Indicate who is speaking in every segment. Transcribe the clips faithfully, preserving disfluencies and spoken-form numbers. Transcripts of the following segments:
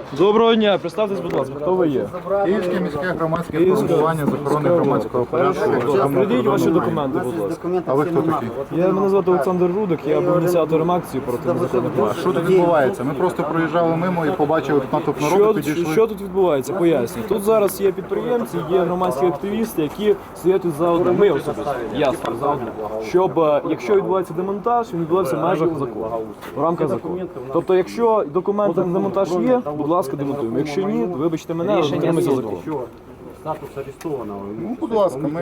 Speaker 1: Доброго дня, представтесь, будь ласка, хто ви є?
Speaker 2: Київське міське громадське формування з охорони громадського порядку.
Speaker 1: Придіть ваші документи, будь ласка.
Speaker 2: А ви хто такий?
Speaker 1: Я, мене звати Олександр Рудик, я був ініціатором акції проти незаконних
Speaker 2: А
Speaker 1: маршів.
Speaker 2: що тут відбувається? Ми просто проїжджали мимо і побачили тут натовп
Speaker 1: Що,
Speaker 2: народу,
Speaker 1: тут-
Speaker 2: підійшли.
Speaker 1: що тут відбувається? Поясню. Тут зараз є підприємці, є громадські активісти, які стоять тут за одним. Ми особисто, я стою за одним. Щоб, е, якщо відбувається демонтаж, він відбувається в межах закону, в рамках закону. Тобто, якщо документи на демонтаж є, будь ласка, демонтуємо. Якщо ні, вибачте мене, але дотримуйся закону.
Speaker 3: Статус арестованного.
Speaker 2: Ну, будь ласка, ми...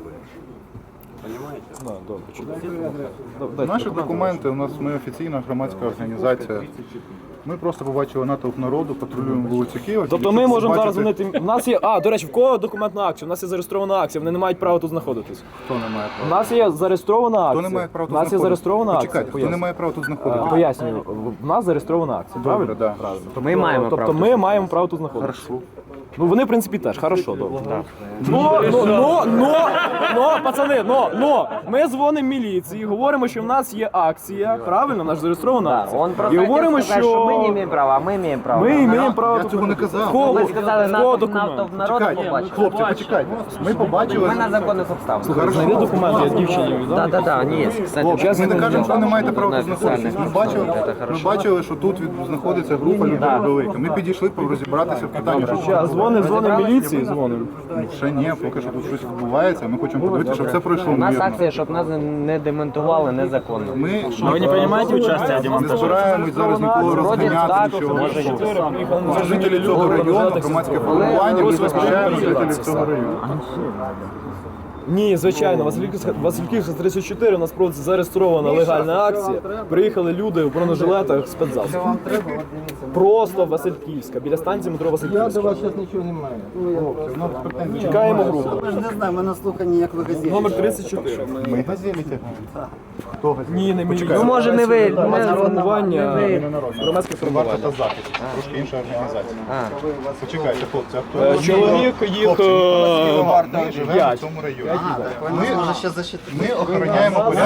Speaker 1: Да, добре, чудово. Дайте
Speaker 2: Наші
Speaker 1: документи.
Speaker 2: документи, у нас ми офіційна громадська організація. Ми просто побачили натовп народу, патрулюємо вулицю Києва.
Speaker 1: Тобто ми можемо зараз дзвонити. У нас є. А, до речі, в кого документ на акцію? У нас є зареєстрована акція, вони не мають права тут знаходитись.
Speaker 2: Хто не має
Speaker 1: У
Speaker 2: права?
Speaker 1: нас є зареєстрована акція.
Speaker 2: Хто не має права
Speaker 1: У
Speaker 2: тут
Speaker 1: нас є
Speaker 2: знаходитися?
Speaker 1: зареєстрована акція.
Speaker 2: Почекайте, хто не
Speaker 1: Поясню.
Speaker 2: має права тут
Speaker 1: Е,
Speaker 2: знаходитися?
Speaker 1: Пояснюю, в нас зареєстрована акція.
Speaker 2: Добре,
Speaker 1: Правильно?
Speaker 2: да.
Speaker 1: Правильно.
Speaker 3: Ми маємо
Speaker 1: Тобто
Speaker 3: право
Speaker 1: ми маємо право тут знаходитися.
Speaker 2: Хорошо.
Speaker 1: Ну вони, в принципі, теж. Хорошо, добре. Ну, ну, ну, ну, ну, пацани, ну, ну, ми дзвонимо міліції, говоримо, що в нас є акція, правильно, наша зареєстрована акція.
Speaker 4: Он просто
Speaker 1: І говоримо,
Speaker 4: хотел сказать, что мы не
Speaker 1: що
Speaker 4: имеем права, а мы имеем право.
Speaker 1: ми маємо право
Speaker 2: Я
Speaker 1: тут.
Speaker 2: цього не казав.
Speaker 1: Кого?
Speaker 4: Ви сказали,
Speaker 1: Кого
Speaker 4: НАТО,
Speaker 1: документ?
Speaker 4: НАТО в народу
Speaker 2: Почекайте,
Speaker 4: побачили.
Speaker 2: хлопці, почекайте. Ми побачили...
Speaker 4: Ми на законних обставинах.
Speaker 1: Слухай, знайди документи, я дівчині віддам.
Speaker 4: Да, да, да, они есть. Кстати,
Speaker 2: Хлопці, ми не кажемо, що ви не маєте права
Speaker 4: на
Speaker 2: тут знаходитися. Ми
Speaker 4: официальных
Speaker 2: бачили,
Speaker 4: это
Speaker 2: ми
Speaker 4: хорошо.
Speaker 2: бачили, що тут від- знаходиться група людей велика. Ми підійшли розібратися в питанні. що
Speaker 1: Зараз дзвонимо, дзвонимо міліції, дзвонимо.
Speaker 2: Ну, ще ні, поки що тут щось відбувається. Ми хочемо подивитися, щоб це пройшло
Speaker 4: У нас
Speaker 2: мирно.
Speaker 4: акція, щоб нас не демонтували незаконно.
Speaker 2: Ми
Speaker 3: Вы не принимаете участие в
Speaker 2: не збираємось зараз нікого розганяти,
Speaker 4: так,
Speaker 2: нічого.
Speaker 4: може,
Speaker 2: Ми жителі цього району, громадське формування, ми захищаємо жителів цього району.
Speaker 1: Ні, звичайно, Васильківська Васильківська тридцять чотири у нас проводиться зареєстрована легальна акція. Приїхали люди в бронежилетах спецзасобів. Просто Васильківська, біля станції метро Васильківська. Чекаємо групу.
Speaker 5: Не знаю, ми на слуханні, як ви газеті.
Speaker 1: Номер тридцять чотири.
Speaker 2: Ми газеліті. Хто газеліті?
Speaker 1: Ні, не міліція.
Speaker 4: Ну, може, не ви,
Speaker 1: Громадське
Speaker 4: не-
Speaker 1: формування.
Speaker 4: не
Speaker 1: Громадське
Speaker 2: Варта
Speaker 1: формування.
Speaker 2: та захист. Трошки інша організація.
Speaker 4: А.
Speaker 2: Почекайте, хлопці, а хто?
Speaker 1: Е, Чоловік їх.
Speaker 2: Хлопці,
Speaker 1: е,
Speaker 2: ми живемо в
Speaker 1: п'ять.
Speaker 2: цьому районі.
Speaker 5: Ми може ще защитити.
Speaker 2: Ми охороняємо порядок.